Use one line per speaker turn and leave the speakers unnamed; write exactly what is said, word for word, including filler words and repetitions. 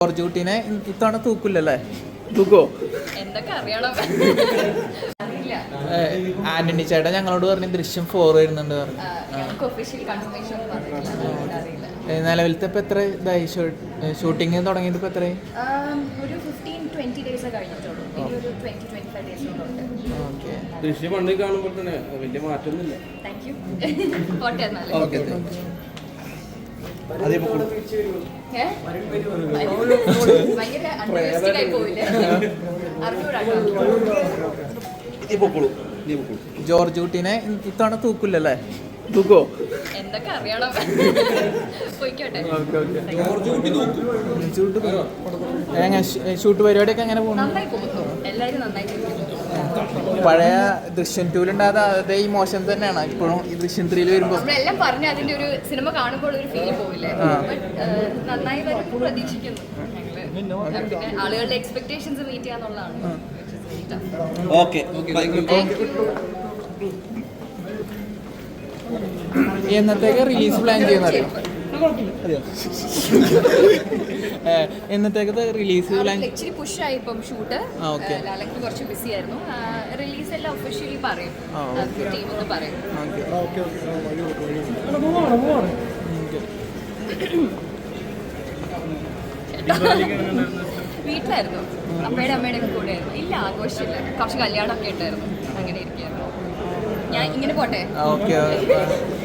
George കുട്ടീനെ ഇത്തവണ തൂക്കില്ലല്ലേ? തൂക്കോ?
എന്തൊക്കെ അറിയണം.
ആന്റണി ചേട്ടൻ ഞങ്ങളോട് പറഞ്ഞു ദൃശ്യം ഫോർ വരുന്നുണ്ട് പറഞ്ഞു. നിലവിലത്തെ ഇപ്പൊ എത്ര ഇതായി ഷൂട്ടിങ് തുടങ്ങിയിട്ട് ഇപ്പൊ എത്രയായി?
ദൃശ്യം പണ്ട് കാണുമ്പോൾ തന്നെ വലിയ മാറ്റമൊന്നുമില്ല.
ജോർജ് കുട്ടീനെ ഇത്തവണ തൂക്കില്ലല്ലേ? തൂക്കോ?
എന്തൊക്കെ അറിയണം.
ഷൂട്ട് പരിപാടിയൊക്കെ എങ്ങനെ പോകുന്നു? പഴയ ദൃശ്യം ടൂലുണ്ടാകാതെ അതേ ഈ മോശം തന്നെയാണ് ഇപ്പോഴും ഈ ദൃശ്യം ത്രീയിൽ വരുമ്പോൾ
നമ്മളെല്ലാം പറഞ്ഞ അതിന്റെ ഒരു സിനിമ കാണുമ്പോൾ ഒരു ഫീൽ പോവില്ലേ? നന്നായി വരും പ്രതീക്ഷിക്കുന്നു. പിന്നെ ആളുകളുടെ എക്സ്പെക്ടേഷൻസ് മീറ്റ് ചെയ്യാന്നുള്ളതാണ്.
എന്നത്തേക്ക് റിലീസ് പ്ലാൻ ചെയ്യുന്നറിയോ? എന്നത്തേക്ക് റിലീസ് പ്ലാൻ?
ഇച്ചിരി പുഷായി ഇപ്പം ഷൂട്ട്. ലാലക്ക് കുറച്ച് ബിസി ആയിരുന്നു. റിലീസ് എല്ലാം ഒഫീഷ്യലി പറയും, ടീം ഒന്ന് പറയും. വീട്ടിലായിരുന്നു, അമ്മയുടെ അമ്മയുടെ ഒക്കെ കൂടെ ആയിരുന്നു. ഇല്ല, ആഘോഷമില്ല. കുറച്ച് കല്യാണമൊക്കെ ഉണ്ടായിരുന്നു. അങ്ങനെ ഇരിക്കുകയായിരുന്നു. ഞാൻ ഇങ്ങനെ പോട്ടെ.
ഓക്കെ.